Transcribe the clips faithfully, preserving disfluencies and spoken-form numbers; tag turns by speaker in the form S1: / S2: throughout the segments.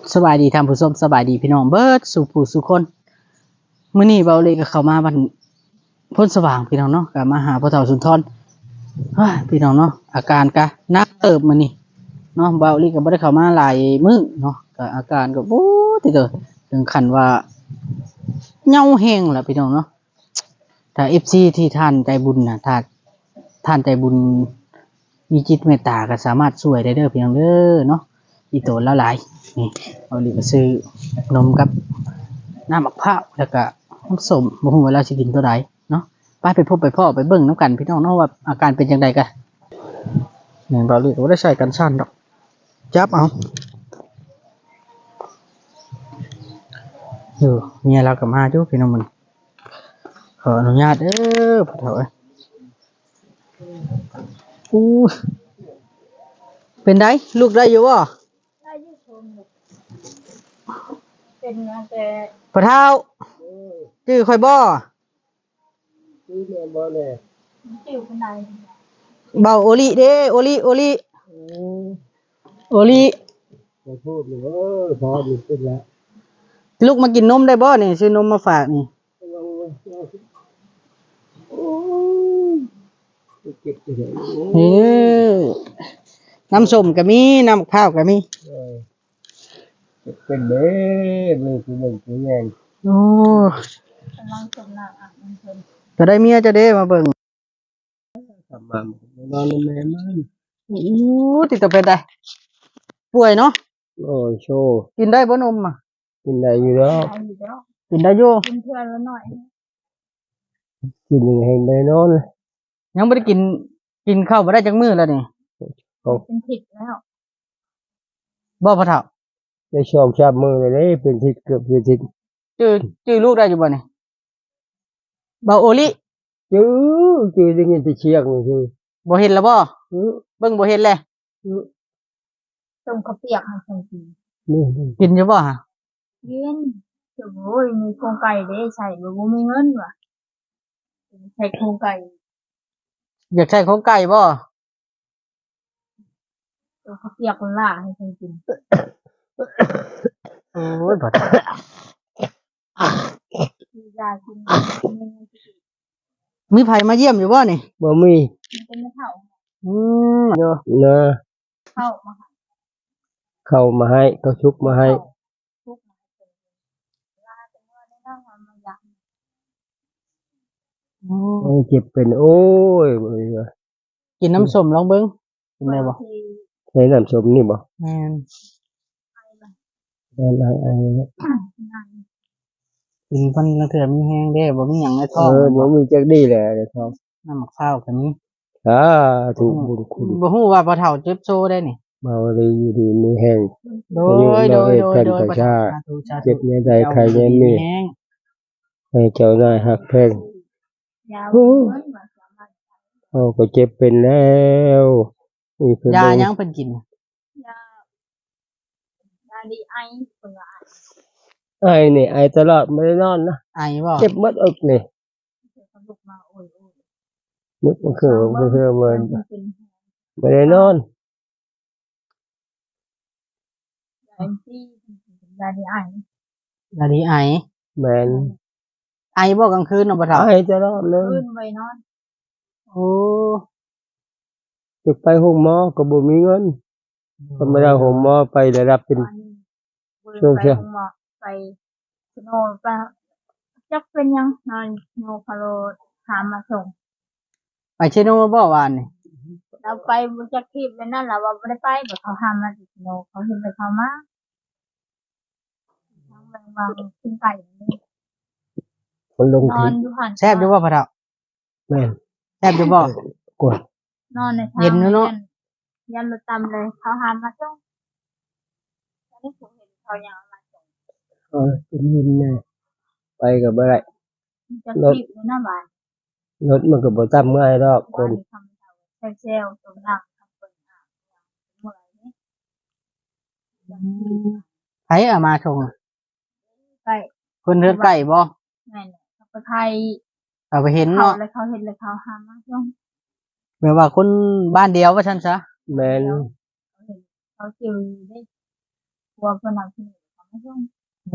S1: สบายดีท่านผู้ชมสบายดีพี่น้องเบิดสู่ผู้สู่คนมื้อนี้เบาเลยก็เข้ามาบ้านพ้นสว่างพี่น้องเนาะก็มาหาพ่อเฒ่าสุนทรเฮ้ยพี่น้องเนาะอาการก็หนักเติบมื้อนี้เนาะเบาเลยก็บ่ได้เข้ามาหลายมื้อเนาะก็อาการก็โอ้ติเด้อถึงขั้นว่าเหงาแฮงล่ะพี่น้องเนาะถ้า เอฟ ซี ที่ท่านใจบุญน่ะถ้าท่านใจบุญมีจิตเมตตาก็สามารถช่วยได้เด้อพี่น้องเด้อเนาะอีโตละหลายนี่เอาลิก็ซื้อนมกับน้ำมะพร้าวแล้วก็น้ำส้มบ่ฮู้ว่าเราสิกินตัวใดเนาะไปไปพบไปพ่อไปเบิ่งน้ำกันพี่น้องเนาะว่าอาการเป็นจังไดกันนี่บ่าวลิก็บ่ได้ใช้กันชั่นดอกจับเอาเออเมียเราก็มาอยู่พี่น้องมันขออนุญาตเด้อพ่อเฒ่าเอ้ยอู้เป็นไดลูกได้อยู่บ่
S2: ได้ยืดชมเป็นงานแต่
S1: พ่อเฒ่าชื่อข่อยบ่
S3: ชื่อแม่บ่แน่
S2: จิ๋วคนใด
S1: เบาโอลิเด้โอลิโอลิโอลิ
S3: ขอโทษหนูเออพอดีขึ้นแล้ว
S1: ลูกมากินนมได้บ่นี่ซื้อนมมาฝากนี่
S3: โอ้ยเก็บไปเลย
S1: เออน้ำส้มก็มีน้ำมะพร้าวก็มี
S3: เออเก็บเป็นเด้เบิ่งคือเบิ่งคือแม่น
S1: โอ้
S2: กำลังสมหนักอ่ะมันเป็น
S1: จะได้เมียจะได้มาเบิ่ง
S3: ทำมานอนแม่มัน
S1: โอ้ติดต่อเป็นไดป่วยเนาะ
S3: โอ้ยโชว์
S1: กินได้บ่นมอ่ะ
S3: กินได้อยู่แล้ว
S2: เอาอยู่แล้ว
S1: กินได้อยู่
S2: กินเพื่อนแล้วหน่อย
S3: กินยังไงได้นอน
S1: ยังบ่ได้กินกินข้าวบ่ได้จักมื้อแล้วนี่
S2: เป็นผิดแล้ว
S1: บ่พ่อเฒ่า
S3: ได้ชอบชาบมือเลยเด้เป็นทิศเกือบเป็นทิศ
S1: ชื่อชื่อลูกได้อยู่บ่นี่เบาโอลิ
S3: จื้อจื้อได้ยินแต่เชียงนี่คือ
S1: บ่เห็นแล้วบ่
S3: อื้อ
S1: เบิ่งบ่เห็นแล
S3: อื้อ
S2: ต้มข้าวเปียกให้คนกิน
S3: นี่นี่
S1: กินอยู่บ่ฮะ
S2: เย็นโอ้ยมีโครงไก่เด้ใส่บ่บ่มีเงินว่ะใส่โครงไก่
S1: อยากใช้ของไก่บ่
S2: ต้มข้าวเปียกคนล่าให้คนกิน
S1: โอ้ยพ่อเฒ่า
S2: มียากินมีเงินกิน
S1: มีไผมาเยี่ยมอยู่บ่นี่
S3: บ่มี
S2: มันเป็นมะเถ่า
S1: อืมอยู่
S3: นะ
S2: เข้ามาหา
S3: เข้ามาให้เขาชุบมาให้
S2: ทุกมาเป็นลาเป็นเมื่อได้นั่งมาอยาก
S1: อืม
S3: โอ้ยเจ็บเป็นโอ้ยบ่มีว่า
S1: กินน้ำส้มลองเบิ่งกินได้บ่
S2: ที่
S3: ใช้น้ำส้มนี่บ่
S1: แม่น
S2: ไปมา
S3: อะไรอะไร
S2: นั่ง
S1: กินเพิ่นลังเทื่อมีแฮงเด้บ่มีหยังในท้
S3: เอ
S1: อง
S3: อบ่มีจักดีแหละเดี๋ยวเขา
S1: น้ำมะพร้าวก็มี
S3: อ่าถูกบุญคุณ
S1: บ่ฮู้ว่าพ่อเฒ่าเจ็บโซได้นี่
S3: มาเลยอยู่ดีมีแห้ง
S1: โดยโดยโดยโดย
S3: ประชา
S1: ธุสาธุ
S3: เจ็บในใดใครในนี่
S1: แฮง
S3: ให้เจ้านายหักแพง
S2: ยาวเงินมาสามารถ
S3: เขาก็เจ็บเป็นแล้วมีเพิ่น
S1: ยา
S3: บ่
S1: ยังเพิ่นกิน
S2: ยายาดีไอเปิด
S3: ไอ้นี่ไอ้ตลอดไม่ได้นอนนะ
S1: ไอบ่
S3: เจ็บหมดอกนี่
S2: เดี๋ยวเขาลุกมาโอ้ยโอ้ย
S3: นึกมันคือมันคือมัน
S2: เป็น
S3: ไม่ได้นอน
S2: ยาที่ยาดีไอย
S1: าดีไอ
S3: แม่น
S1: ไอบ่กลางคืนเนาะพ่อเฒ่า
S3: ไอ้ตลอดเลย
S2: ขึ้นไปนอน
S1: โอ้
S3: จะไปห้องหมอก็บ่มีเงินก็ไม่ได้ห้องหมอไปได้รับเป็น
S2: วันนี้ไปหมอไปโนไปจักเป็นยังนอนโนคาโรถามมาส่ง
S1: ไปเชโนบ่วานนี่
S2: เราไปบุจักทีบแล้วนั่นแหละว่าไม่ได้ไปแต่เขาทำมาติโนเขาเห็นไปเขามาทั้งบางบางขึ้นไก่นี่
S3: คนลง
S2: นอ
S3: ทิ
S2: น
S3: ศ
S2: อยู่หัน
S1: แซ่บอยู่บ่พ่อเฒ่า
S3: แม่น
S1: แซ่บอยู่บ่
S3: กด
S2: นอนในทาง
S1: เย็นเนอะ
S2: ยันรถตำเลยเขาหามาส่งตอนนี้ผมเห็นเขายังมาส่ง
S3: เออเป็นยินแน่ไปก็บ่ได้
S2: จะขีบอยู่หน้าบ้าน
S3: รถมันก็บ่ตามง่ายดอกค
S2: บ้าน นทำเซลล์ตรงนั้นทำเป็นอ่างเมื่อไรนี่
S1: ไผเอามาส่ง
S2: ไป
S1: เพิ่นเฮือนไก่บ่
S2: แม่เนี่ยเขาไปไทย
S1: เอาไปเห็น
S2: เขา
S1: เนาะ
S2: เลยเขาเห็นเลยเขาหามาส่ง
S1: แม่ว่าคนบ้านเดียวว่าซั่นซะ
S3: แม่น
S2: เขาเห็นเขาจิวได้กลัวเพิ่นเอาที่นี่เขาไม่ส่ง
S1: โอ้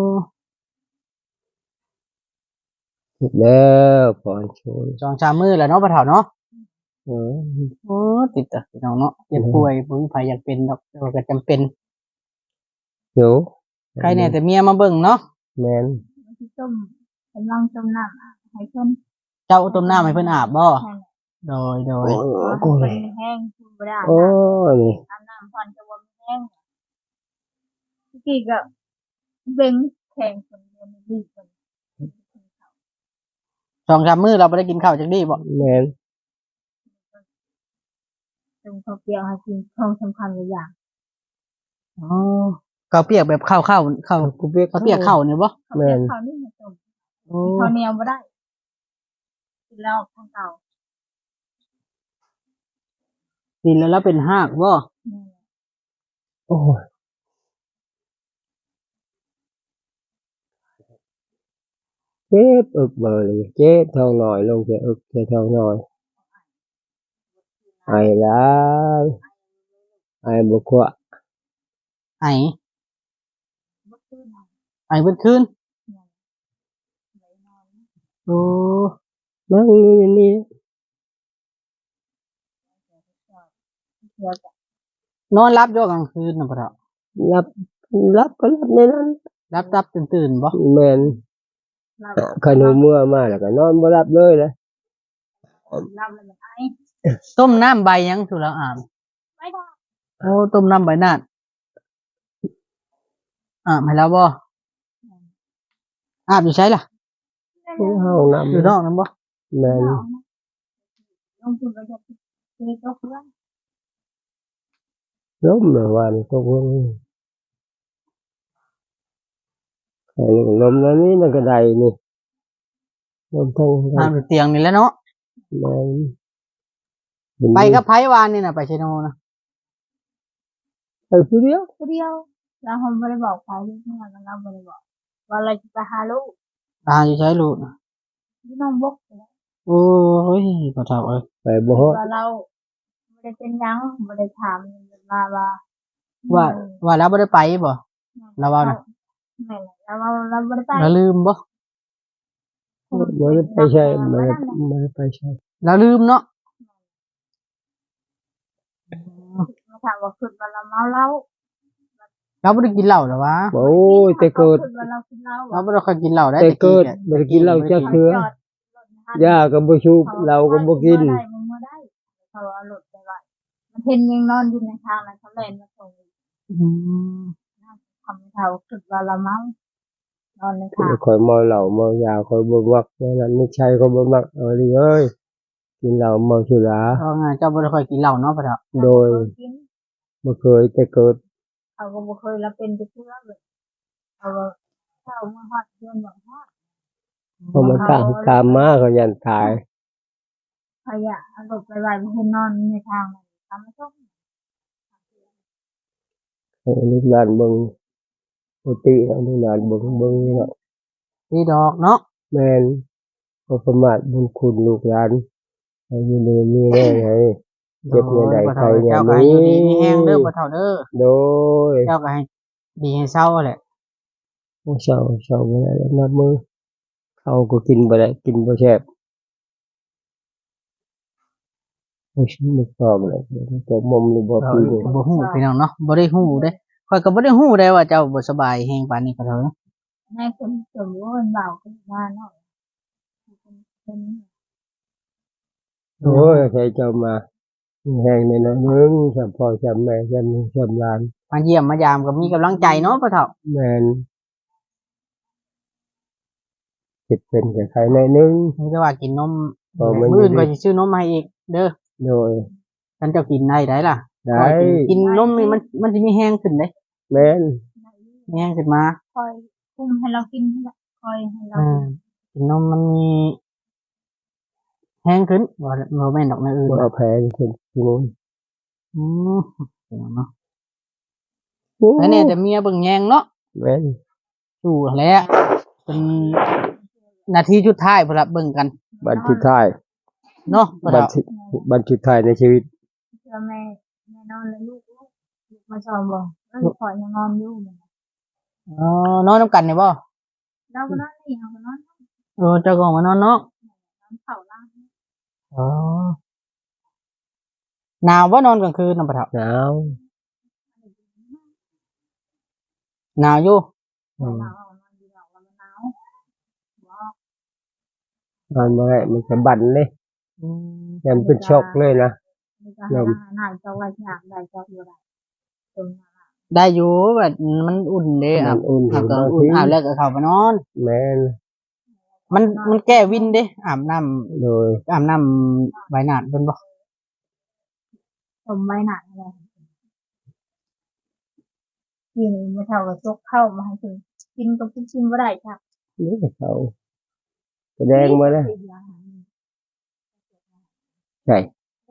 S3: แล้วพรชน
S1: สองสามมื้อแล้วเนาะพ่อเฒ่าเนาะ
S3: เออ
S1: โอ้ติดอ่ะพี่น้องเนาะเจ็บป่วยบ่มีไผอยากเป็นดอกแต่ว่าก็จำเป็น
S3: เดี๋ยว
S1: ใครแน่แต่เมียมาเบิ่งเนาะ
S3: แม่น
S2: มันสิต้มกำลังต้มน้ำอะให้เพิ่น
S1: เจ้าต้มน้ำให้เพิ่นอาบบ่
S2: นั่นแหละ
S1: โดยโด
S3: โอ้
S1: ย
S3: ย
S2: เพราะว่า
S3: กู
S2: ให้
S3: เล
S2: เพิ่
S3: ย
S2: นแห้งคุณบ่ได้อาบ
S3: โอ้
S2: น้ำ
S3: ยนี่
S2: อาบน้ำก่อนจะบ่มีแห้งเมื่อกี้ก็เบ่งแข่งคนเดียวนี่ดีเพิ่น
S1: สองสามมื้อเราบ่ได้กินข้าวจักดีบ่
S3: แม่น
S2: ตรงข้าวเปรี้ยวให้กินของสำคัญหลายอย่าง
S1: อ๋อข้าวเปียกแบบข้าวข้าวข้าว
S3: กูเปียก
S1: ข้าวเปียกข้าวนี่บ่
S2: ข้าวเปรี้ยวข้าวนี่มันต้ม
S1: โอ้
S2: ข้าวเหนียวบ่ได้กินแล้วข้างเก่า
S1: กินแล้วแล้วเป็นหากบ่
S2: นี่นแหละ
S3: โอ้ยเจ็บอึกเบอร์เลยเจ็บท้องหน่อยลงแค่อึกแค่ท้องหน่อยไอ้หลายไอ้บ่กว่า
S1: ไอ
S2: บ่คืนเอา
S1: ไอเบิดคืน
S2: เนี่ยไหลนอน
S1: โอ้
S3: นั่งอยู่อย่างนี้
S2: เดี๋ยวจะ
S1: นอนรับอยู่กลางคืนน่ะพ่อเฒ่า
S3: รับรับก็รับในนั้น
S1: รับรับตื่นๆบ่
S3: แม่น
S2: รับ
S3: ขนมเมื่อมาแล้วก็นอนบ่รับเลยนะ
S2: รับแล้วมันไอ
S1: ต้มน้ำใบหยังสุแล้วอาบ
S2: ไม่ได้
S1: โอ้ต้มน้ำใบนาดอาบให้แล้วบ่อาบอยู่ใช่ล่ะ
S3: ห้องน้ำ
S1: อยู่นอกนั้นบ่
S3: แม่น
S2: ลงทุนก็จะเทตกเรื่อง
S3: ล้มเมื่อวานก็เพิ่งไอ้ลมแล้วนี่มันก็ได้นี่ลมทั้ง
S1: อาบอยู่เตียงนี่แหล้วเนาะ
S3: แม่น
S1: ไปกับไผวานนี่น่ะไปเชโนนะ
S3: ไปผู้เดียว
S2: คนเดียวเราคงไม่ได้บอกใครเลยเนี่ยเราไม่ได้บอกว่าเราจะไปหาลูก
S1: อาอยู่ใช้ลูกน่ะ
S2: ที่น้องบกไปแล้ว
S1: โอ้ยพ่อเฒ่าเอ้ย
S3: ไปบ่ฮอด
S2: ว่าเราไม่ได้เป็นหยังไม่ได้ถามมาว่า
S1: ว่าว่าแล้วบ่ได้ไปบ่ เราว่าน่ะ
S2: ไม่เราเราเราไม่ได้ไป
S1: แล้วลืมบ่
S3: บ่ได้ไปใช่บ่ได้บ่ได้ไปใช่
S1: แล้วลืมเนาะ
S2: มาถามว่าขึ้นว่าเราเมาเหล้า
S1: เราบ่ได้กินเหล้าหรอวะ
S3: โอ้ยแต่เกิด
S2: ขึ้นว่าเรากินเหล้า
S1: เราบ่ได้ค่อยกินเหล้าได้
S3: แต่เกิด
S1: แหละ
S3: บ่ได้กินเหล้าจักเทื่อ
S2: จอดรถนะ
S3: ยาก็บ่ชูบเราก็บ่กิน
S2: ได้มึงมาได้เขาเอารถไปไว้มันเห็นยังนอนอยู่ในทางนั้นเขาเล่นมาส่ง
S1: อืม
S2: ทำให้เขาคิดว่าเราเมานอนในทาง
S3: ข่อยเมาเหล้าเมายาข่อยบ่มักเพราะนั้นไม่ใช่ข่อยบ่มักเอาดิเอ้ยกินเหล้าเมาสุรา
S1: เพราะงั้นเจ้าบ่ได้ค่อยกินเหล้าเนาะพ่อเฒ่า
S3: โดย
S2: กิน
S3: บ่เคยแต่เกิด
S2: เขาก็บ่เคยรับเป็นไปเพื่อเลยเขาว่าเข้ามาฮอดเดือนบ่ฮอด
S3: เพราะมันตามตามมาเขายันตาย
S2: ขยะเอารถไปไว้บ่เห็นนอนในทางนั้นทำไม่ต้อง
S3: ให้ลูกหลานเบิ่งปกติเอาลูกหลานเบิ่งเบิ่งเนาะ
S1: พี่ดอกเนาะ
S3: แม่นบ่ประมาทบุญคุณลูกหลานให้อยู่ดีมีแรงให้เจ็บเนี่ยใด
S1: โอ้ย
S3: ใครเนี่ย
S1: เจ้าก็
S3: มี
S1: ให้อยู่ดีมีแฮงเด้อพ่อเฒ่าเด้อ
S3: โดย
S1: เจ้าก็ให้ดีให้เศร้าแหละ
S3: เช้าเช้าบ่ได้แล้วนับมือข้าวก็กินบ่ได้กินบ่แซ่บบ่ชิมบ่ชอบเลยแต่มอมหรือบ่
S1: เรา
S3: ปีนี่
S1: บ่ฮู้พี่น้องเนาะบ่ได้ฮู้เด้ข้อยก็บ่ได้ฮู้ได้ว่าเจ้าบ่สบายแฮงปานนี้พ่อเฒ่าเนาะ
S2: ให้คนสมว่ามันเบาขึ้นมาเนาะเป็น
S3: โอ้ยใครเจ้ามาแห้งในนั้นนึงจำพ่อจำแม่จำจำหลาน
S1: มาเยี่ยมมายามก็มีกำลังใจเนาะพ่อเฒ่า
S3: แม่นคิดเป็นกับใครในนึง
S1: มีแต่ว่ากินนม
S3: พอมัน
S1: มื้ออื่นก็สิซื้อนมมาให้อีกเด้อ
S3: โดย
S1: คันเจ้ากินได้ได้ล่ะ
S3: ได้
S1: ข้อยกินกินนมนี่มันมันสิมีแฮงขึ้นเด้
S3: แม่น
S1: มีแฮงขึ้นมา
S2: คอยคุมให้เรากินนั่นแหละคอยให้เรา
S1: อ่ากินนมมันมีแห้งขึ้นบ่บ่แม่นดอกในอื่น
S3: บ่เอาแพ้คนที่นู้น
S1: อืมเนาะแล้วเนี่ยแต่เมียเบิ่งแยงเนาะ
S3: แม่น
S1: สู้แหล้วเป็นนาทีสุดท้ายพุ่นละเบิ่งกัน
S3: บันทุดท้าย
S1: เนาะบ่
S3: บัน
S1: เฒ่า
S3: ทุบันทุดท้ายในชีวิต
S2: เชื่อแม่แม่นอนเลยลูกลูกลูกมาสอนบอกเอก็คอยยังนอนอยู่เหมือนกัน
S1: อ๋อนอนนํกันนี่บ่
S2: เราก็นอนนี่เราก็นอน
S1: เออเจ้าก็ออกมานอนเนาะ
S2: นอนเข่าล่าง
S1: อ๋อหนาวบ่นอนกลางคืนนำปะเฒ่า
S3: หนาว
S1: หนาวอยู่
S3: อืม
S2: หนาวเอานอนดีกว่าวันหนาวบอก
S3: นอนบ่ได้มันจะบั่นเลย
S1: อืม
S3: ยันเป็นช็อกเลยนะ
S2: มีการหาหน้าจอไว้อยากได้จออยู่ได้ตรงนั้น
S1: ได้อยู่แบบมันอุ่นเด้
S3: มั
S1: อ่ะ
S3: นอุ่น
S1: อาบก็
S3: บาง
S1: อุ่น
S3: ที
S1: อาบแล้วก็เข้ามานอน
S3: แม่น
S1: มันมันแก้วินเด้อาบน้ำ
S3: โดย
S1: อาบน้ำใบหนาดเพิ่นบ่
S2: สมไว้หนักเลยกินไม่เท่ากับจกเข้ามาให้ถึงกินกับกินไม่ได้จ้ะ
S3: นี่เขาแสดงมาแล้วใช่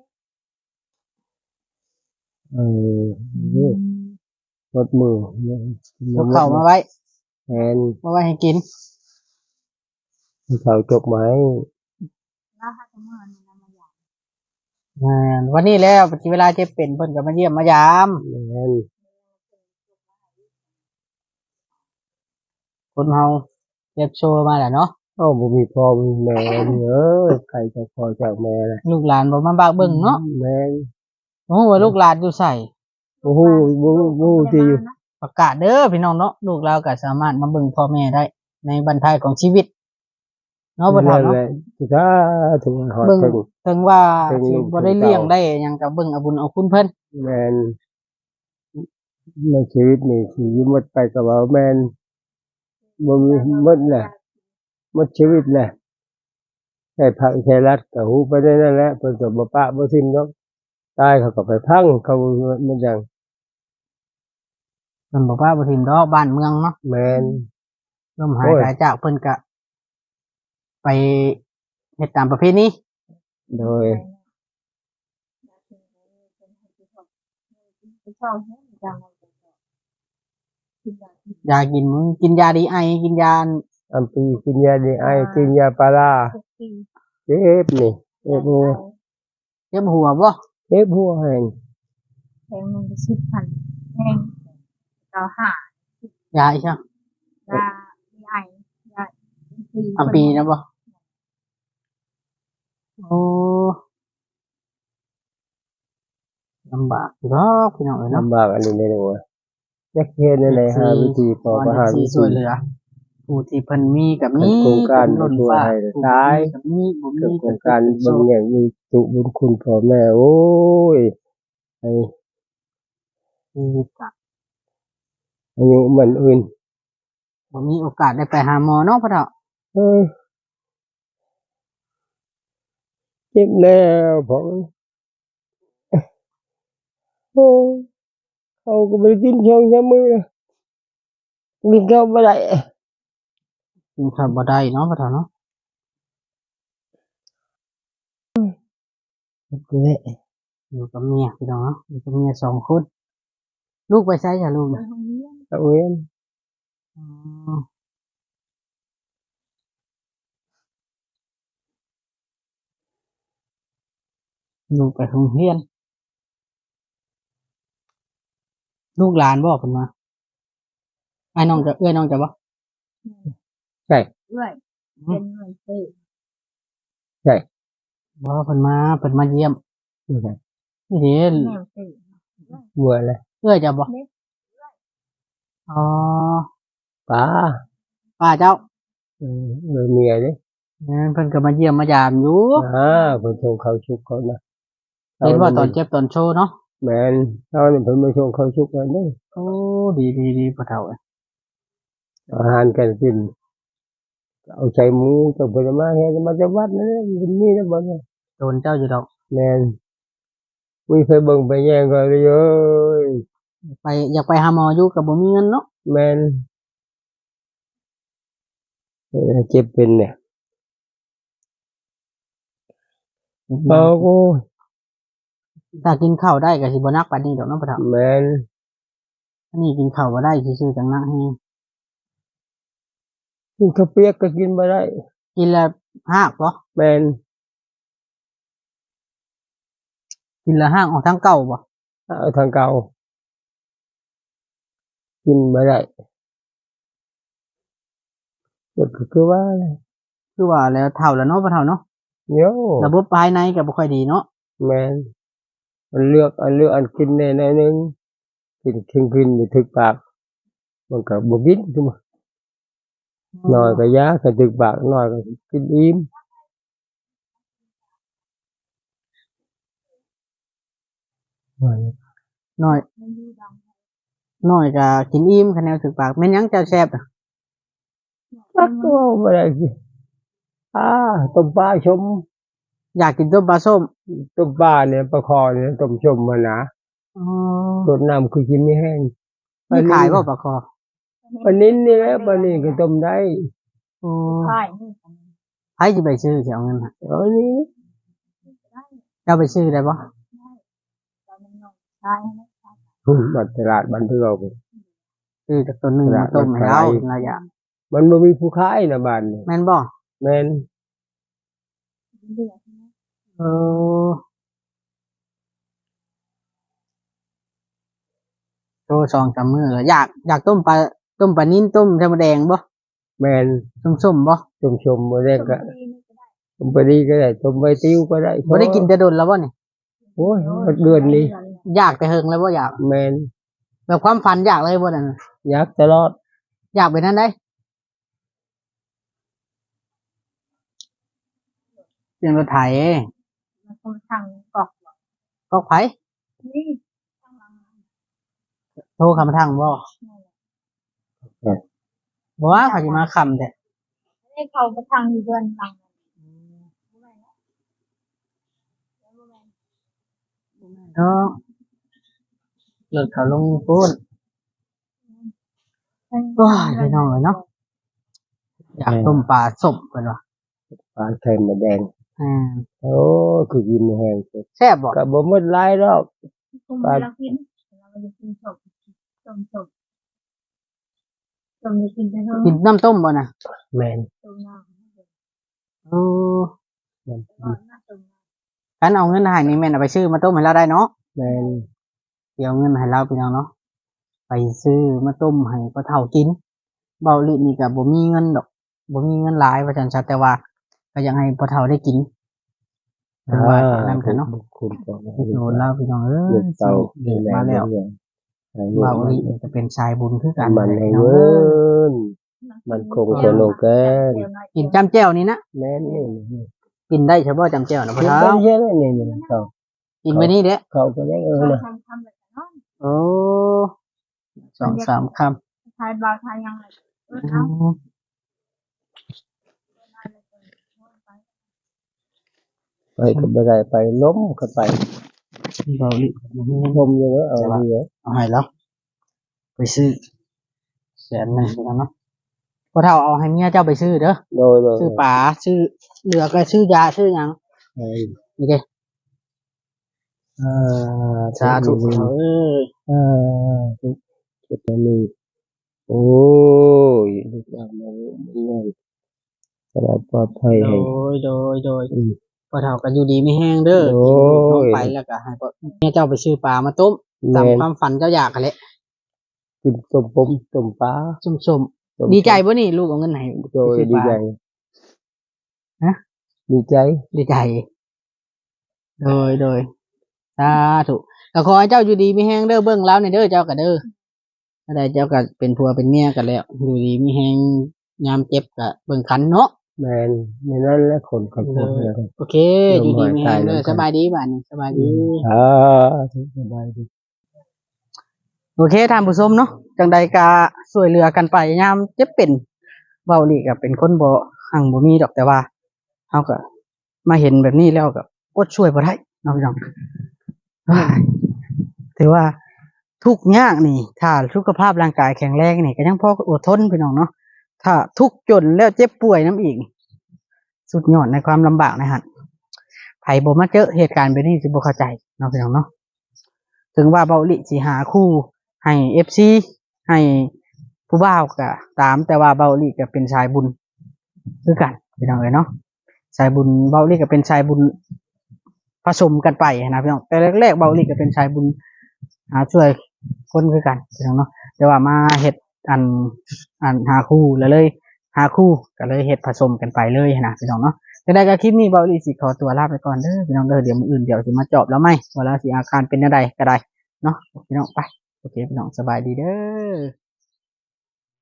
S3: เออนี่รถมือย
S1: กเข้ามาไว้
S3: แทน
S1: มาไว้ให้กิน
S3: เขาจกไม้
S2: แล้วถ้าจะเมื่อนี่นะมันอยาก
S1: อ่าวันนี้แล้วปฏิเวลาเจ็บเป็นเพิ่นก็มาเยี่ยมมายาม
S3: แม่น
S1: คนเฮาเจ็บโชว์มาแหละเนาะ
S3: เอ้าบ่มีพ่อมีแม่นี่เอ้ยใครจะพ่อจากแม่ล่ะ
S1: ลูกหลานบ่มาบากเบิ่งเนาะ
S3: แม่น
S1: โอ้ว่าลูกหลานอยู่ใส่
S3: โอ้โหบ่บ่ที่อยู่
S1: ประกาศเด้อพี่น้องเนาะลูกเราก็สามารถมาเบิ่งพ่อแม่ได้ ในบรรทัดของชีวิตเนาะบ่เฒ่า
S3: นั่น
S1: เนาะ
S3: แหละถ้าถึงหอด
S1: เบิ่ง
S3: ถึง
S1: ถึงว่า
S3: ถึง
S1: สิ
S3: ลูก
S1: บ่ได้
S3: ถึง
S1: เลี้ยง
S3: เต้า
S1: ได้หยังก็เบิ่งเอาบุญเอาคุณเพิ่น
S3: แม่นในชีวิตนี่ที่หมดไปก็ว่าแม่นบ่มีหมดแหละหมดชีวิตแหละให้พังใช้รัดก็ฮู้ไปได้นั่นแหละเพิ่นก็บ่ปะบ่ทิ่มดอกตายเขาก็ไปพังเขามันจัง
S1: เพิ่นบอกว่าบ่ทิมดอกบ้านเมืองเนาะ
S3: แม่น
S1: ลมหาย
S3: โอ้ย
S1: ตายจากเพิ่นก็ไปเฮ็ดตามประเพณี
S3: โดย
S2: ชอบจังกินแบบ
S1: ยากินมึงกินยาดีไอกินยา
S3: อัมปีกินยาดีไอกินยาปลาร้า
S2: ทุกปี
S3: เจ็บนี่เจ็บหัว
S1: เจ็บหัวบ่
S3: เจ็บหัวแห้ง
S2: แพงหนึ่งสิบพันแพงเราหาย
S1: าอีช่าง
S2: ยาใหญ่ใหญ่ปี
S1: อัมปีนะบ่โอ้ลำบากอยู่ดอกพี่น้องเอ้ยเนาะ
S3: ลำบากอันนี้ไม่รู้ว่าจักเฮ็ดนั่นแหละหาวิธีพอประหาร
S1: สิ
S3: วิ
S1: ช่วย
S3: ธี
S1: เหลือผู้ที่เพิ่นมีกับมี
S3: โครงการ
S1: ล้น
S3: ช่วย
S1: ฟ้า
S3: ให้
S1: ผู้
S3: ตาย
S1: กับมีบ่มี
S3: กับโครงการเบิ่งอย่างมีสุบุญคุณพ่อแม่โอ้ยไอ้
S1: ชีวิตก็
S3: อายุมันอื่น
S1: บ่มีโอกาสได้ไปหาหมอเนาะพ่อเฒ่า
S3: เอ้ยเจ็บแล้วพ่อโอ้เขาก็ไม่ได้กินช่องช้ำมือกินข้าวไม่ได้
S1: กินข้าวบ่ได้เนาะพ่อเฒ่าเนาะ
S3: เละ
S1: อยู่กับเมียพี่น้องเนาะอยู่กับเมียสองคนลูกไปไสจ้ะลูก
S2: ไป
S1: น่ะ
S2: โรงเรียน
S3: เอาเว้น
S1: อ๋อลูกไปโรงเรียน ลูกหลานบ่เพิ่นมาไอ้น้องจะเอื้อยน้องจะบ่
S3: ใช่
S2: เรื่อยเป็นเหมือนเต้
S3: ใช่
S1: บ่เพิ่นมาเพิ่นมาเยี่ยม
S3: ไม่ใช่
S1: นี่เด้
S2: แมวเต้
S3: บัวเลย
S1: เอื้อยจะบ่อ๋อ
S3: ป้า
S1: ป้าเจ้า
S3: เออเออเมียเลย
S1: นั่นเพิ่นก็มาเยี่ยมมายามอยู่
S3: อ่าเพิ่นส่งเขาชุกเขานะ
S1: เห็นว่าตอนเจ็บตอนโชว์เนาะ
S3: แม่นเอาเนี่ยเพิ่นมาส่งเขาชุกกันนี่
S1: โอ้ดีดีดีพ่อเฒ่าเอ้ย
S3: อาหารการกินเอาใจหมูจากผลไม้เฮ็ดมาจากวัดนั่นแหละมันมีนะบ่เนี่ย
S1: โดนเจ้าอยู่ดอก
S3: แม่นมีเคยเบิ่งไปแย่งกันเลยเอ้ย
S1: ไปอยากไปหาหมออยู่ก็บ่มีเงินเนาะ
S3: แม่นเออเจ็บเป็นเนี่ยเอากู
S1: ถ้ากินข้าวได้ก็สิบ่หนักปานนี้ดอกเนาะพ่อเฒ่า
S3: แม่น
S1: อันนี้กินข้าวบ่ได้ซื่อๆจังหนักแฮง
S3: กินข้าวเปียกก็กินบ่ได้
S1: กินแล้วหากบ่
S3: แม่น
S1: กินแล้วหากออกทางเก่าบ่
S3: เอาทางเก่ากินบ่ได้ก็คือว่า
S1: คือว่าแล้วเฒ่าแล้วเนาะบ่เฒ่าเนาะ
S3: โย่
S1: ระบบภายในก็บ่ค่อยดีเนาะ
S3: แม่นมันเลือกอันเลือกอันกินแน่หน่อยหนึงกินกินกินอยู่ถึกปากมันก็บ่กินขึ้นมาน้อยก็ยาก็ถึกปากน้อยก็กินอิ่ม
S1: น้อย
S2: มันอยู่ดัง
S1: น้อยก็กินอิ่มคะแนนถึกปากแม่นหยังเจ้าแซ่บน่ะ
S3: รักตัวบ่ได้สิอ่าต้มปลาชม
S1: อยากกินต้มปลาส้ม
S3: ต้มปลาเนี่ยปลาคอเนี่ยต้มชมมานะ
S1: อ๋อ
S3: รดน้ำคือกินไม่แห้ง
S1: มีขายบ่ปลาคอ
S3: ปลานิ้นนี่แหละปลานี่ก็ต้มได้
S1: โอ้
S2: ใช่นี่กัน
S1: ใครสิไปซื้อสิเอาเงินให้
S3: เอานี่
S2: ได้
S1: เจ้าไปซื้อได้บ่
S2: ได้เรามันนอนใช่ไหม
S3: หุ่นบัดตลาดบันเทือก
S1: ซื้อจากต้นหนึงมาต้มให้เราเราอยาก
S3: มันบ่มีผู้ขายนะบ้านนี่
S1: แม่นบ่
S3: แม่น
S2: เดือดใช่ไหม
S1: เออโตสองสามมื้อแล้วอยากอยากต้มปลาต้มปลานิ่นต้มไข่มดแดงบ่
S3: แม่น
S1: ส้มๆบ่
S3: ต้มชมบ่ได้
S2: ต้ม
S3: ก็
S2: ดีนี่ก็ได้
S3: ต้มปลาดีก็ได้ต้มใบติ้วก็ได้
S1: บ่ได้กินแต่ดนแล้วบ่นี่
S3: โอ้ยเดือนนี้
S1: อยากแต่เฮิงแล้วบ่อยาก
S3: แม่น
S1: แบบความฝันอยากเลยบ่นั่นน่ะ
S3: อยากตลอด
S1: อยากไปนั่นได้เสียงรถไถ
S2: มันคงทางกอก
S1: ก็ไผ
S2: นี่ทางหลัง
S1: โทรคำทางบ่บ่ว่าเขาสิมาคำแต่
S2: ให้เขาไปทางอยู่เดือนหลัง
S1: เนาะรถเขาลงพูนโอ้ยพี่น้องเอ้ยเนาะอยากต้มปลาส้มเพิ่นว่า
S3: ปลาไข่มดแดง
S1: อืม
S3: โอ้คือกินไม่แห้งสุด
S1: แซ่บบ่
S3: ก็บ่หมดหลายดอก
S2: คงเวลากินเราจะกินศพต้มศพต้มจะกินได้เท่า
S1: กินน้ำต้มบ่น่ะ
S3: แม่น
S2: ต้มน้
S1: โอ้
S3: แม่น
S2: ำก่อนน้ำต้มน้
S1: คันเอาเงินให้นี่แม่นเอาไปซื้อมาต้มให้เราได้เนาะ
S3: แม่น
S1: เดี๋ยวเอาเงินให้เราพี่น้องเนาะไปซื้อมาต้มให้พ่อเฒ่ากินเบาลินี่ก็บ่มีเงินดอกบ่มีเงินหลายว่าซั่นซะแต่ว่าก็อยากให้พ่อเฒ่าได้กินเพิ่นว่าอย่างนั้นกันเนาะ
S3: คุณก็
S1: โดนแล้วพี่น้องเอ้
S3: เด็
S1: ย
S3: กเต่า
S1: เด็กมาแล้ว
S3: เบา
S1: เบาลินี่จะเป็นชายบุญคือกัน
S3: มันให้
S1: พี่น้อง
S3: เงิ
S1: เอ้ย
S3: นมันคงจะโลกแกน
S1: กินจำแจ่วนี่นะ
S3: แม่นนี่
S1: กินได้เฉพาะจำแจ่วนะพ่อ
S3: กิน
S1: เฒ่า
S3: ได้เยอะนี่นี่เขา
S1: กินไปนี่เด้อ
S3: เขาก็ได้เออนะ
S2: ทำทำแบบนั้น
S1: โอ้สองสามค
S2: ทายบาทายยังไงเออ
S1: ำ
S2: เอา
S1: อืม
S3: ไปก็ไม่ได้ไปล้มก็ไป
S1: เบาลิ
S3: ล้มอยู่แล้วเอาเยอะ
S1: เอาให้แล้วไปซื้อแสนหนึ่งพี่น้องเนาะพ่อเฒ่าเอาให้เมียเจ้าไปซื้อเด้อ
S3: โดยโดย
S1: ซื้อปลาซื้อเหลือก็ซื้อยาซื้อหยังนี่เด้
S3: อ่า
S1: สาธุเอ้ย
S3: อ่าจุดนี้โอ้ยลูกหลานมาเลยสบายปลอดภัย
S1: โด
S3: ให้
S1: ยโดยโดย
S3: อืม
S1: พ่อเฒ่าก็อยู่ดีไม่แห้งเด้อ
S3: โอ้ย
S1: กินลูกน้องไปแล้วก็ให้พ่อเมียเจ้าไปซื้อปลามาต้มตาม
S3: แม่น
S1: ความฝันเจ้าอยากกันแหละ
S3: กินต้มปมต้มปลา
S1: ส้ม
S3: ต้ม
S1: ๆดีใจบ่นี่ลูกเอาเงินให้
S3: โดย
S1: ไปซื้อ
S3: ดี
S1: ปลา
S3: ใจ
S1: ฮะ
S3: ดีใจ
S1: ดีใจ โดยโดยสาธุก็ขอให้เจ้าอยู่ดีมีแห้งเด้อเบิ่งแล้วในเด้อเจ้าก็เด้อถ้าได้เจ้าก็เป็นผัวเป็นเมียกันแล้ว อยู่ดีมีแห้งยามเจ็บก็เบิ่งขันเนาะ
S3: แมนในนั้นและคนขับรถเนี่ย
S1: โอเค อยู่ดีมีแห้งเด้อสบายดีบ้านนี้สบายดี
S3: อ่าสบายดี
S1: โอเคท่านผู้ชมเนาะจังใดก็ช่วยเหลือกันไปยามเจ็บเป็นเว้านี่ก็เป็นคนบ่หังบ่มีดอกแต่ว่าเฮาก็มาเห็นแบบนี้แล้วก็อดช่วยบ่ได้เนาะพี่น้องเฮ้ยถือว่าทุกข์ยากนี่ ถ้าสุขภาพร่างกายแข็งแรงนี่ก็ยังพออดทนพี่น้องเนาะถ้าทุกข์จนแล้วเจ็บป่วยน้ำอีกสุดยอดในความลำบากนะฮะไผบ่มาเจอเหตุการณ์แบบนี้สิบ่เข้าใจเนาะพี่น้องเนาะถึงว่าเบาหลิสิหาคู่ให้ เอฟ ซี ให้ผู้บ่าวก็ตามแต่ว่าเบาหลีก็เป็นชายบุญคือกันพี่น้องเอ้ยเนาะชายบุญเบาหลีก็เป็นชายบุญผสมกันไปนะพี่น้องแต่แรกๆเบาหลีก็เป็นชายบุญหาช่วยคนคือกันพี่น้องเนาะแต่ว่ามาเฮ็ดอันอันหาคู่แล้วเลยหาคู่ก็เลยเฮ็ดผสมกันไปเลยนะพี่น้องเนาะแต่ได้ก็คลิปนี้เบาอีสิขอตัวลาไปก่อนเด้อพี่น้องเด้อเดี๋ยวมื้ออื่นเดี๋ยวสิมาเจาะแล้วไหมว่าแล้วสิอาการเป็นจังไดก็ได้เนาะพี่น้องไปโอเคพี่น้องสบายดีเด้อ